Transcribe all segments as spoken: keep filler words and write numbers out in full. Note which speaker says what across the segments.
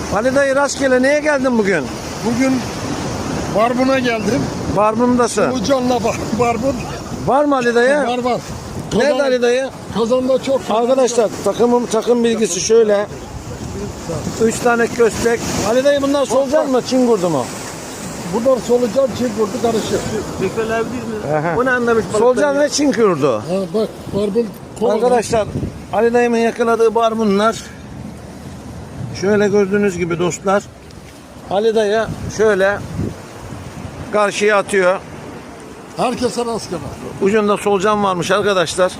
Speaker 1: Ali dayı rastgele neye geldin bugün?
Speaker 2: Bugün Barbun'a geldim.
Speaker 1: Barbun'dasın.
Speaker 2: Solucanla bar, Barbun.
Speaker 1: Var mı Ali dayı?
Speaker 2: Var var.
Speaker 1: Nerede Ali dayı?
Speaker 2: Kazanda çok.
Speaker 1: Arkadaşlar takımım takım bilgisi şöyle. Üç tane köstek. Ali dayı bunlar solucan mı? Çin kurdu mu?
Speaker 2: Bunlar solucan, çin kurdu karışık.
Speaker 1: Aha.
Speaker 3: Bu ne anlamış balıktan?
Speaker 1: Solucan ve Çin kurdu.
Speaker 2: Ha, bak Barbun. kola.
Speaker 1: Arkadaşlar Ali dayımın yakaladığı barbunlar. Şöyle gördüğünüz gibi dostlar. Ali dayı şöyle karşıya atıyor.
Speaker 2: Herkese rastgele.
Speaker 1: Ucunda solucan varmış arkadaşlar.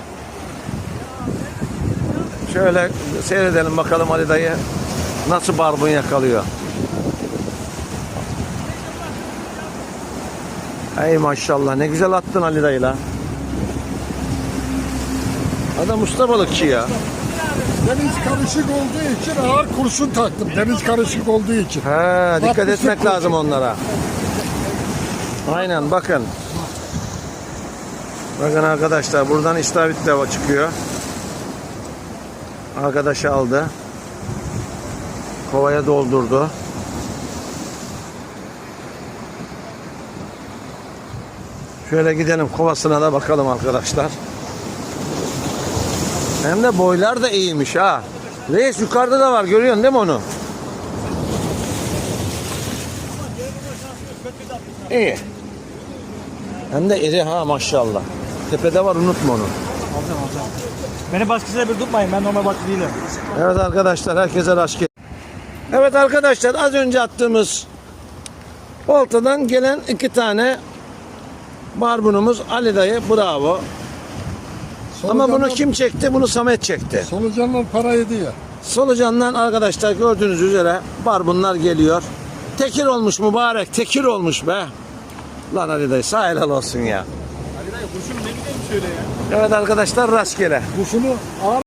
Speaker 1: Şöyle seyredelim bakalım Ali dayı nasıl barbun yakalıyor. Ey maşallah ne güzel attın Ali dayı la. Adam usta balıkçı ya.
Speaker 2: Deniz karışık olduğu için ağır kurşun taktım. Deniz karışık olduğu için.
Speaker 1: He, dikkat
Speaker 2: Bakmışsın
Speaker 1: etmek
Speaker 2: kurşun.
Speaker 1: lazım onlara. Aynen bakın. Bakın arkadaşlar buradan istavrit de çıkıyor. Arkadaş aldı. Kovaya doldurdu. Şöyle gidelim kovasına da bakalım arkadaşlar. Hem de boylar da iyiymiş ha. Reis yukarıda da var, görüyorsun değil mi onu? İyi. Hem de iri ha maşallah. Tepede var, unutma onu.
Speaker 3: Alacağım alacağım. Beni baskısıyla bir tutmayın, ben normal baskı değilim.
Speaker 1: Evet arkadaşlar, herkese rast gelsin. Evet arkadaşlar, az önce attığımız oltadan gelen iki tane barbunumuz Ali dayı, bravo. Ama bunu kim çekti? Bunu Samet çekti.
Speaker 2: Solucanlar para yedi ya.
Speaker 1: Solucandan arkadaşlar gördüğünüz üzere barbunlar geliyor. Tekir olmuş mübarek, tekir olmuş be. Lan Ali dayı sağ helal olsun ya.
Speaker 3: Ali dayı kurşun ne güzelmiş şöyle ya.
Speaker 1: Evet arkadaşlar rastgele.
Speaker 2: Kurşunu ağır.